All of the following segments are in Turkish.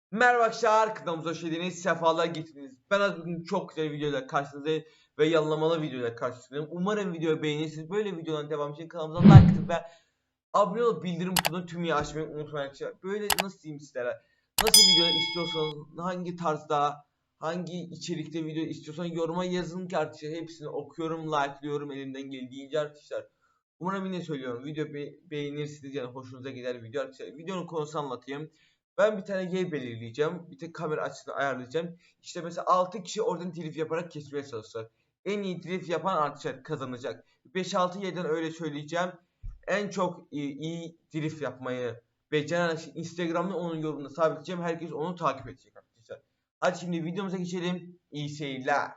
Merhaba arkadaşlar, kanalımıza hoş geldiniz, sefalar getirdiniz. Ben bugün çok güzel videoyla karşınızdayım ve yalamalı videoyla karşınızdayım. Umarım videoyu beğenirsiniz. Böyle videoların devamı için kanalımıza like atıp ve abone olup bildirim butonunu tümüyle açmayı unutmayın arkadaşlar. Böyle nasıl diyeyim sizlere, nasıl videolar istiyorsanız, hangi tarzda, hangi içerikte video istiyorsanız yoruma yazın ki arkadaşlar hepsini okuyorum, like'lıyorum elimden geldiğince arkadaşlar. Umarım yine söylüyorum video beğenirsiniz yani hoşunuza gider video arkadaşlar. Videonun konusunu anlatayım. Ben bir tane yer belirleyeceğim. Bir tek kamera açısını ayarlayacağım. İşte mesela 6 kişi oradan drift yaparak kesmeye çalışacak. En iyi drift yapan arkadaşlar kazanacak. 5-6 yerden öyle söyleyeceğim. En çok iyi drift yapmayı beceren Instagram'da onun yorumunu sabitleyeceğim. Herkes onu takip edecek arkadaşlar. Hadi şimdi videomuza geçelim. İyi seyirler.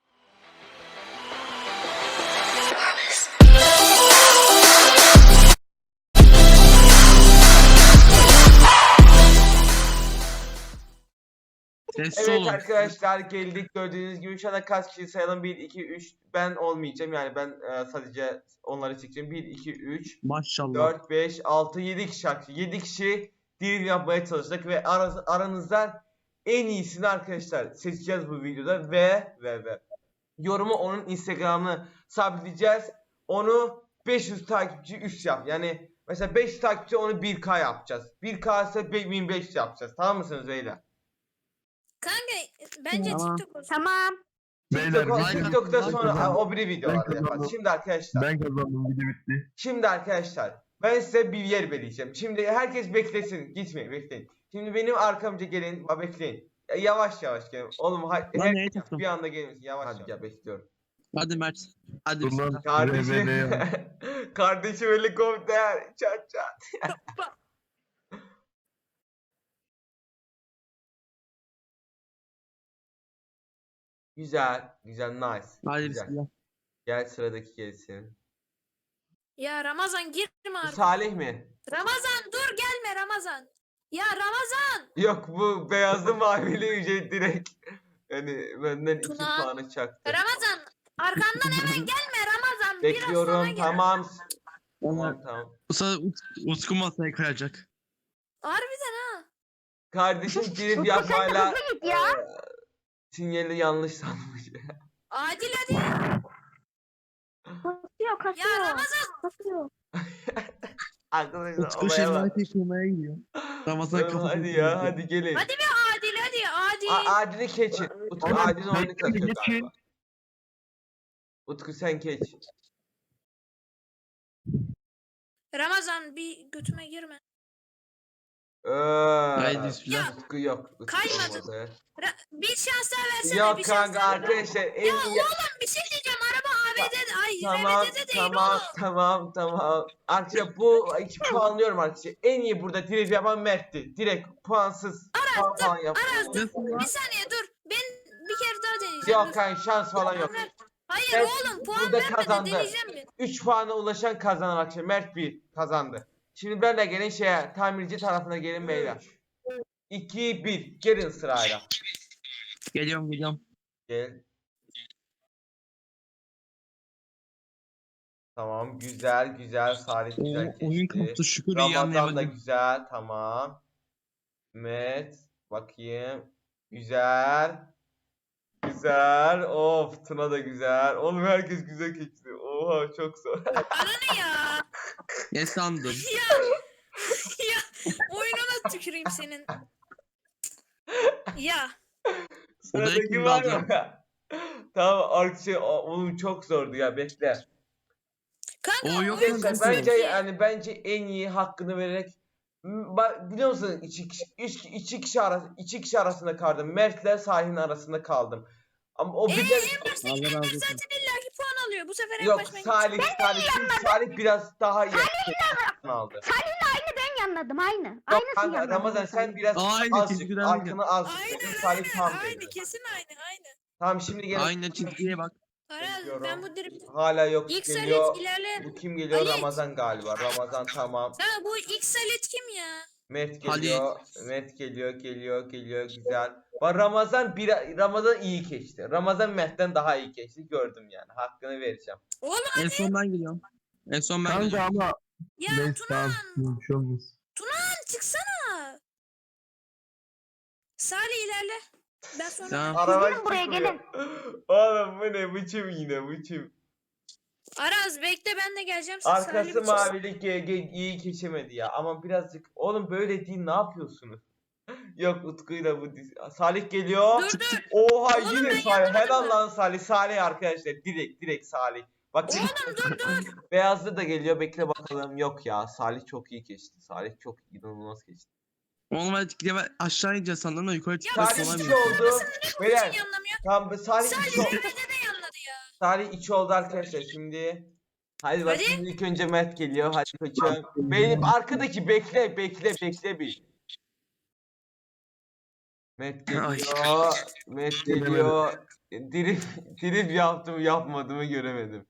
Evet arkadaşlar geldik, gördüğünüz gibi şu anda kaç kişi sayalım, 1 2 3, ben olmayacağım yani ben sadece onları çekeceğim. 1 2 3 Maşallah. 4 5 6 7 kişi, 7 kişi deal yapmaya çalışacak ve aranızdan en iyisini arkadaşlar seçeceğiz bu videoda ve yorumu onun Instagram'ını sabitleyeceğiz. Onu 500 takipçi üst yap. Yani mesela 5 takipçi onu 1K yapacağız. 1K ise 1500 yapacağız. Tamam mısınız beyler? Kanka bence Tamam. TikTok olsun. Tamam. Beyler, TikTok'ta ben sonra kazandım. o bir videolarda Ben yaparız. kazandım. Şimdi arkadaşlar. Ben kazandım, video bitti. Şimdi arkadaşlar. Ben size bir yer belirleyeceğim. Şimdi herkes beklesin. Gitmeyin, bekleyin. Şimdi benim arkamca gelin. Bekleyin. Yavaş yavaş gelin. Oğlum neye tuttum? bir anda gelin. Yavaş yavaş. Ya bekliyorum. Hadi Mert. Hadi şey bismillah. Kardeşim. Kardeşim helikopter. Çat çat. Güzel. Güzel. Nice. Hadi Güzel. bismillah. Gel sıradaki gelsin. Ya Ramazan girme Bu artık. Salih mi? Ramazan dur gelme Ramazan. Ya Ramazan. Yok, bu beyazlı mavili ücret direkt. Yani benden 2 Tuna. puanı çaktı. Ramazan arkamdan hemen gelme Ramazan. Biraz sonra Bekliyorum. gel. Tamam. Onlar Tamam. bu sefer Utku masaya kayacak. Harbiden ha. Kardeşim drift Utku sen de yapmayla hızlı git ya. sinyali yanlış sanmış. Adil hadi. Kasıyor kasıyor. Ya Ramazan. Kasıyor. Arkadaşlar Utku olaya bak. şerbeti yıkamaya gidiyor. Ramazan Tamam, kafasını hadi ya, hadi gelin. Hadi bir Adil hadi Adil. Adil'i keçin. Utku Oğlum, Adil'in oyunu bekle, katıyor geçin. galiba. Utku sen keç. Ramazan bir götüme girme. Haydi bismillah. Utku yok. Utku Kaymadı. olmadı. Bir şans daha versene. Yok bir şans kanka daha. arkadaşlar en Ya iyi. oğlum bir şey diyeceğim. Araba ABD'de. Ay Tamam RBD'de değil tamam oğlum. tamam. Arkadaşlar bu 2 puanlıyorum arkadaşlar. En iyi burada drift yapan Mert'ti. Direkt puansız. Puan falan yaptı. Bir saniye dur. Ben bir kere daha deneyeceğim. Yok dur. kanka şans falan yok. Hayır Mert oğlum puan burada vermeden kazandı. deneyeceğim mi? 3 puana ulaşan kazanan arkadaşlar. Mert 1 kazandı. Şimdi ben de gelin tamirci tarafına gelin beyler. 2-1 gelin sırayla. Geliyorum. Gel. Tamam güzel Salih güzel Oyun geçti. koptu, şükür iyi Ramazan da anlayamadım. güzel, tamam. Met bakayım. Güzel. Of, Tuna da güzel. Oğlum herkes güzel geçti. Oha çok zor. Bana ne ya? Ne sandın? Ya oyununa tüküreyim senin. Ya. Sıradaki kim var kaldı? mı? Tamam arkadaşlar oğlum çok zordu ya, bekle. Kanka O yok oyun mu? Arkadaşlar çok bence iyi. yani bence en iyi hakkını vererek biliyor musun iki kişi arasında kaldım. Mert'le Salih'in arasında kaldım. Ama o bir de En baştakiler Allah razı olsun. zaten illaki puan alıyor. Bu sefer en yok baştan Salih biraz daha iyi aldı. Ben yanladım aynı. Yok Aynısını kanka yanladım. Ramazan sen biraz Aynı azıcık çizgiden arkını az. Aynen Salih tam aynı dedi. kesin aynı. Tamam şimdi gelin. Aynı çizgiye bak. Aral Bekliyorum. ben bu drift. Hala yok İlk geliyor. salet ilerle. Bu kim geliyor? Halit. Ramazan galiba. Ramazan tamam. Ha bu ilk salet kim ya? Mert Halit. geliyor. Mert geliyor güzel. Bak Ramazan iyi geçti. Ramazan Mert'ten daha iyi geçti, gördüm yani. Hakkını vereceğim. Oğlum En son ben geliyorum. Kanka ama ya neyse Tuna tamam. Bir şey olmaz. çıksana. Salih ilerle. Ben sonra. Tamam. Araba Gelin buraya, çıkmıyor. gelin. Oğlum bu ne biçim yine biçim. Araz bekle ben de geleceğim. Arkası Salih mavilik iyi geçemedi ya. Ama birazcık oğlum böyle değil ne yapıyorsunuz? Yok Utku'yla bu Salih geliyor. Dur dur. Oha Oğlum yine ben Salih. yanmadım Helal mı? lan Salih. Salih arkadaşlar. Direkt Salih. Bak Oğlum dur. Beyazlı da geliyor. Bekle bakalım. Yok ya. Salih çok iyi geçti. Salih çok inanılmaz geçti. Oğlum ben aşağı ineceğiz sandım da yukarı çıkacağız. Salih Kolay içi mı? oldu. Niye Beyler. için yanlamıyor? Tamam Salih içi Salih oldu. Revede de yanladı ya. Salih içi oldu arkadaşlar. Şimdi hadi bak Hadi. şimdi ilk önce Mert geliyor. Hadi koçum. Benim arkadaki bekle bir. Mert Ay. geliyor. Mert geliyor. Drip yaptım yapmadığımı göremedim.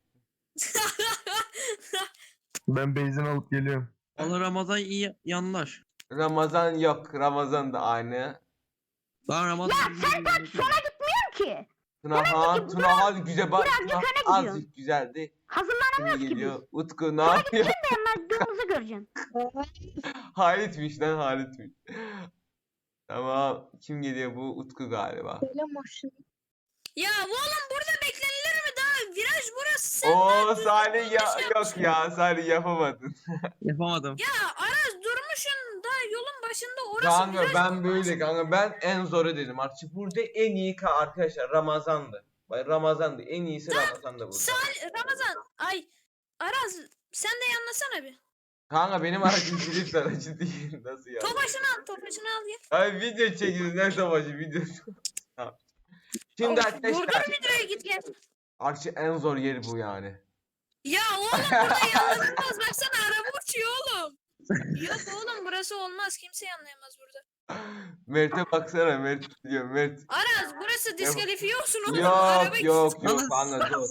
Ben benzin alıp geliyorum. Allah Ramazan iyi yanlar. Ramazan yok. Ramazan da aynı. Lan Ramazan. Ki. Tunahan güzel bak. birazcık Tunahan öne gidiyorsun. azıcık güzeldi. Hazırlanamıyoruz Şimdi ki geliyor. Utku ne yapıyor? Dayanmadığımızı göreceksin. Halit'miş lan Halit'miş. Tamam. Kim geliyor bu? Utku galiba. Ya oğlum burada beklenilir mi daha? Viraj burası. Sen Oo Salih ya yanlış yok ya Salih yapamadın. Yapamadım. Ya Aras durmuşsun da yolun başında orası Kanka viraj. ben böyle kanka ben en zoru dedim artık burada en iyi arkadaşlar Ramazan'dı. Ramazan'dı en iyisi Ramazan'dı burada. Ramazan. Ay. Aras sen de yanlasana bir. Kanka benim aracım Philips aracı değil nasıl ya? Topaşını al gel. Ay video çekiyoruz ne savaşı video. Tamam. Şimdi Of, arkadaşlar Burada videoya git gel. artık en zor yeri bu yani. Ya oğlum burada yanlanılmaz. Baksana araba uçuyor oğlum. Yok oğlum burası olmaz. Kimse yanlayamaz burada. Mert'e baksana Mert diyor Mert. Aras burası diskalifiye olsun oğlum. Yok yok Lan- kanka dur.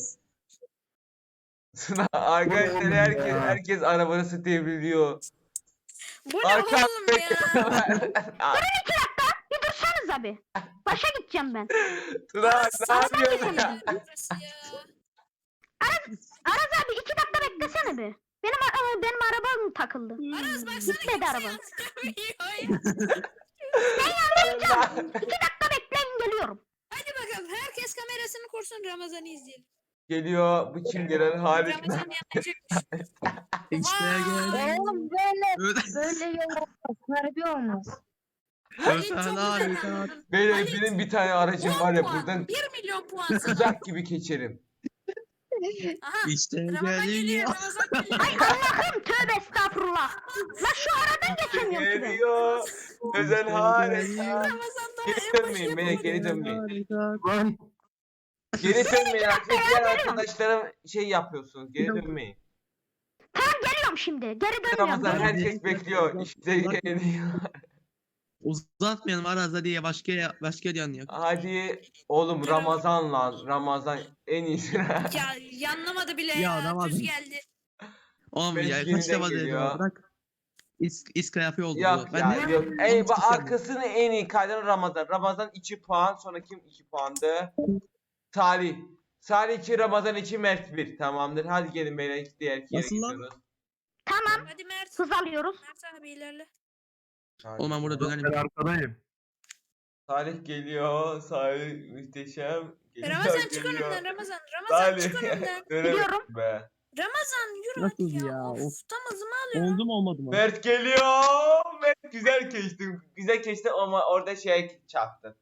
Arkadaşlar herkes arabanı devriliyor. Bu ne Arka- oğlum ya? Bir dursanız abi. Başa gideceğim ben. Tuna ne yapıyorsun ya? Burası ya. Araz abi 2 dakika beklesene bir. Benim arabam takıldı. Aras baksana Gitmedi kimse araba. yanlamıyor. 2 dakika bekleyin geliyorum. Hadi bakalım herkes kamerasını kursun Ramazan'ı izleyelim. Geliyor bu kim gelen Halit. Ramazan yanlayacakmış. İşte Vay. gel. Oğlum böyle yol olmaz. Harbi olmaz. Halit çok Öfela, güzel öfela. yanladın. Benim bir tane aracım var ya 10 puan. buradan 1 milyon puan sana. uzak gibi geçerim. Aha. İşte Ramazan geliyor. geliyor. Ramazan geliyor. Ay Allah'ım tövbe estağfurullah. La şu aradan geçemiyorum ki ben. Geliyor. Özel harika. Ramazan daha Geri en başı dönmeyin beni yapamadı. geri dönmeyin. Lan Geri dönmeyin arkadaşlar arkadaşlarım şey yapıyorsunuz geri dönmeyin. Tamam geliyorum şimdi. Geri dönüyorum. Ramazan her- herkes bekliyor işte geliyor. Uzatmayalım Aras hadi ya başka yanıyor. Hadi oğlum Ramazan lan Ramazan en iyisi. Ya yanlamadı bile Ya, ya. Ramazan. Düz geldi. Oğlum Benim ya yeniden kaç defa dedim geliyor. ya, bırak. İskalafi oldu Yok bu. ya Ben de yok. Ey bak Çok arkasını en iyi kaydan Ramazan. Ramazan 2 puan sonra kim 2 puandı? Salih. Salih 2 Ramazan 2 Mert 1 tamamdır. Hadi gelin beyler diğer yere Nasıl lan? gidiyoruz. Tamam. Hadi Mert. Hız alıyoruz. Mert abi ilerle. Oğlum ben burada ben dönerim. arkadayım. Salih geliyor. Salih muhteşem. Geliyor, Ramazan çık geliyor. önümden Ramazan. Ramazan çık Salih. önümden. Dönemedim Gidiyorum. be. Ramazan yürü Nasıl hadi ya. ya, Of, of. tam hızımı alıyor. Oldu mu olmadı mı? Mert geliyor. Mert güzel geçti. Güzel geçti ama orada şey çarptı.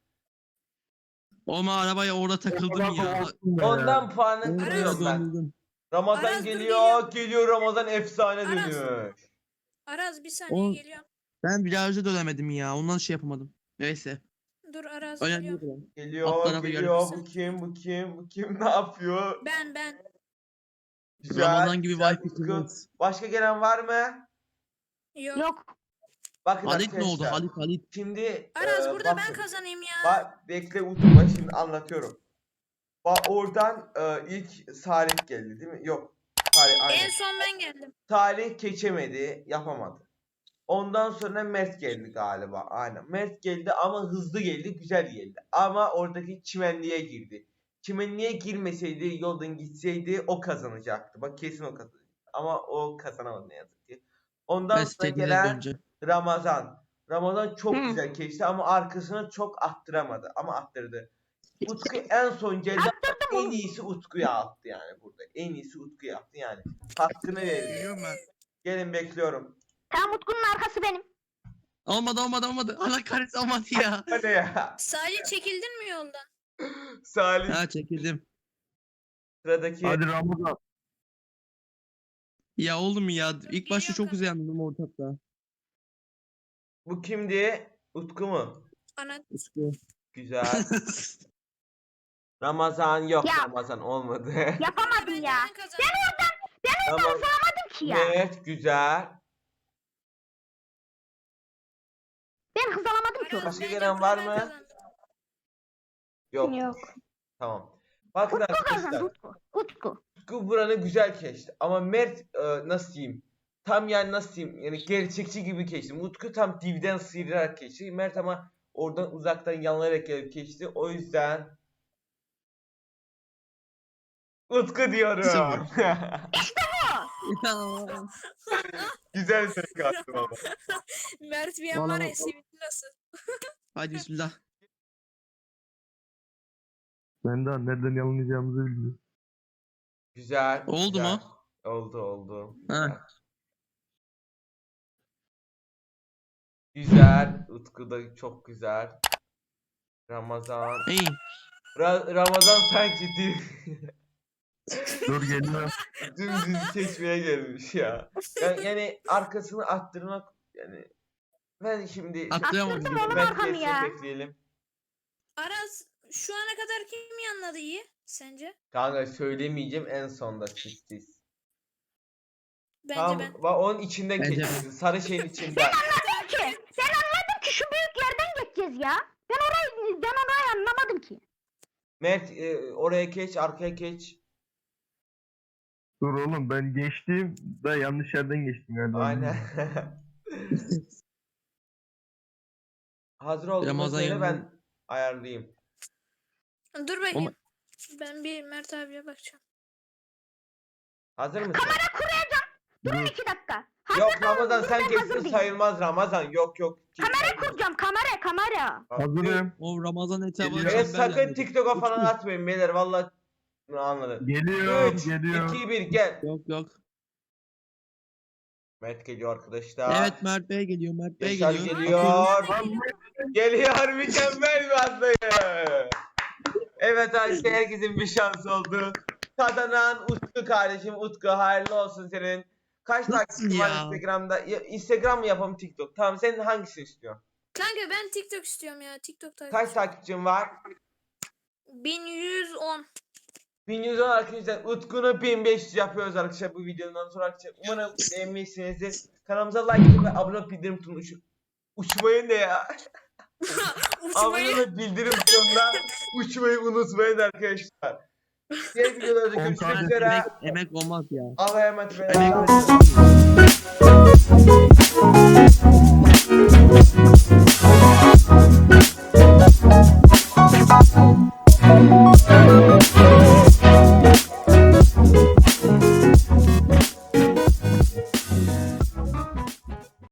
Oğlum arabaya orada takıldım ya. Ondan puanı Orada kırıyorum ben. döndüm. Ramazan Aras dur, geliyor. Geliyor Ramazan efsane Aras. dönüyor. Araz bir saniye Oğlum. geliyorum. Ben virajda dönemedim ya. Ondan şey yapamadım. Neyse. Dur Araz Önemli geliyorum. değil. Alt Geliyor, tarafı geliyor. görürsün. Bu kim ne yapıyor? Ben. Güzel, Ramazan gibi güzel, wifi Utku. kullanırız. Başka gelen var mı? Yok. Yok. Bakın Halit ne oldu? arkadaşlar. Halit. Şimdi Araz burada ben bakın. kazanayım ya. Bekle Utku bak şimdi anlatıyorum. Bak oradan ilk Salih geldi değil mi? Yok. Salih En aynen. son ben geldim. Salih geçemedi, yapamadı. Ondan sonra Mert geldi galiba. Aynen. Mert geldi ama hızlı geldi, güzel geldi. Ama oradaki çimenliğe girdi. Çimenliğe girmeseydi, yoldan gitseydi o kazanacaktı. Bak kesin o kazanacaktı. Ama o kazanamadı ne yazık ki. Ondan Ben sonra istediğine gelen döneceğim. Ramazan. Ramazan çok Hı. güzel geçti ama arkasına çok attıramadı ama attırdı. Utku en son ceza en iyisi Utku'ya attı yani burada. En iyisi Utku'ya attı yani. Hakkını verdi. Geliyorum ben. Gelin bekliyorum. Tamam Utku'nun arkası benim. Olmadı. Allah kahretsin olmadı ya. Hadi ya. Sadece çekildin mi yoldan? Salih Ha çekildim. sıradaki. Hadi Ramazan. Ya oğlum ya ilk başta çok Geliyorum. güzel yandım ortakta. Bu kimdi? Utku mu? Ana Utku. Güzel. Ramazan yok, Ya. Ramazan olmadı. Yapamadım bence ya. ben kazandım. Tamam. Hızlanamadım ki ya. Evet, güzel. Ben hızlanamadım ki Aras, orada. Başka bence gelen bunu var ben mı? kazandım. Yok. Yok. Tamam. Bakın Kazandı arkadaşlar. Utku. Utku. Utku buranı güzel geçti. Ama Mert nasıl diyeyim? Tam yani nasıl diyeyim? Yani gerçekçi gibi geçti. Utku tam dibden sıyırarak geçti. Mert ama oradan uzaktan yanlayarak gelip geçti. O yüzden Utku diyorum. Sıfır. Güzel ses kattım ama. Mert bir an var ya Vallahi- sevindi nasıl? Hadi bismillah. Ben daha nereden yalanlayacağımızı bilmiyorum. Güzel. Oldu güzel. mu? Oldu. Ha. Güzel. Utku da çok güzel. Ramazan. İyi. Ramazan sanki Dur geliyorum. dümdüz seçmeye gelmiş ya. Yani arkasını attırmak yani ben şimdi Atlayamadım. Attırdım oğlum Mert arkamı geçsin ya. bekleyelim. Aras şu ana kadar kim yanladı iyi sence? Kanka söylemeyeceğim en sonda sürpriz. Bence Tamam, ben. onun içinden Bence geçeceksin. Sarı şeyin içinden. Ki, ben anladım ki şu büyük yerden geçeceğiz ya. Ben orayı anlamadım ki. Mert oraya geç, arkaya geç. Dur oğlum ben geçtim da yanlış yerden geçtim galiba. Aynen. Hazır olduğunda Ramazan söyle ben yanında. ayarlayayım. Dur bakayım. Ben bir Mert abiye bakacağım. Hazır mısın? Durun 2 dakika. Yok Ramazan sen Ben hazır geçsin değilim. sayılmaz Ramazan. Yok. Kamera kuracağım kamera. Hazırım. O Ramazan etabı Geliyor. Evet sakın TikTok'a falan Utku. atmayın beyler vallahi anladım. Geliyorum 3, geliyorum. 2, 1 gel. Yok. Mert geliyor arkadaşlar. Evet Mert Bey geliyor. Yaşar geliyor. Geliyor mükemmel bir atlayış. Evet arkadaşlar herkesin bir şans oldu. Kazanan Utku kardeşim. Utku hayırlı olsun senin. Kaç Nasıl takipçin var ya? Instagram'da? Instagram mı yapalım TikTok? Tamam senin hangisini istiyorsun? Kanka ben TikTok istiyorum ya. TikTok Kaç takip. takipçin var? 1110. 1110 arkadaşlar. Utku'nu 1500 yapıyoruz arkadaşlar bu videodan sonra arkadaşlar. Umarım beğenmişsinizdir. Kanalımıza like atın ve abone olup bildirim butonunu uçmayın ne ya? Abone Uçmayı. olup bildirim butonuna uçmayı unutmayın arkadaşlar. Diğer videolarda On görüşmek tane üzere. Emek olmaz ya. Allah'a emanet Emek olun.